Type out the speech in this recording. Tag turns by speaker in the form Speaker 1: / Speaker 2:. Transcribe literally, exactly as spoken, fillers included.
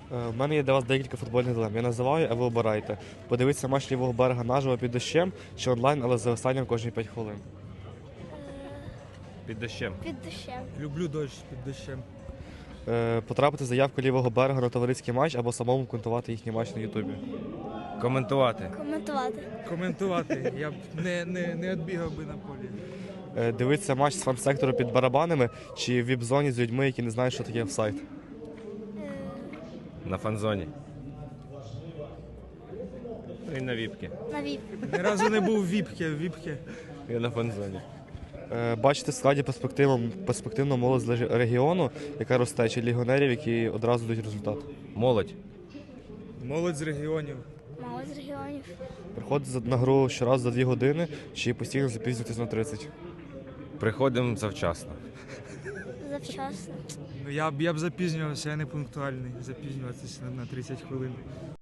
Speaker 1: Е, В мене є для вас декілька футбольних дилем. Я називаю, а ви обирайте. Подивитися матч лівого берега наживо під дощем чи онлайн, але з зависанням кожні п'ять хвилин.
Speaker 2: Під дощем.
Speaker 3: Під дощем.
Speaker 4: Люблю дощ під дощем.
Speaker 1: Е, Потрапити в заявку лівого берега на товариський матч або самому коментувати їхній матч на Ютубі.
Speaker 2: Коментувати.
Speaker 3: Коментувати.
Speaker 4: Коментувати. Я б не, не, не відбігав би на полі.
Speaker 1: Е, Дивитися матч з фан-сектору під барабанами чи в віп-зоні з людьми, які не знають, що таке офсайд.
Speaker 2: На фан-зоні. І на віпки.
Speaker 3: На віп.
Speaker 4: Ні разу не був в віпки, в віпки.
Speaker 2: І на фан-зоні.
Speaker 1: Е, Бачити в складі перспективну, перспективну молодь з леж- регіону, яка росте, чи легіонерів, які одразу дають результат.
Speaker 2: Молодь.
Speaker 4: Молодь з регіонів.
Speaker 3: Мало з регіонів.
Speaker 1: Приходити за- на гру щоразу за дві години чи постійно запізнюватись на тридцять.
Speaker 2: Приходимо завчасно.
Speaker 3: Завчасно.
Speaker 4: Ну, я б, я б запізнювався, я не пунктуальний. Запізнюватися на, на тридцять хвилин.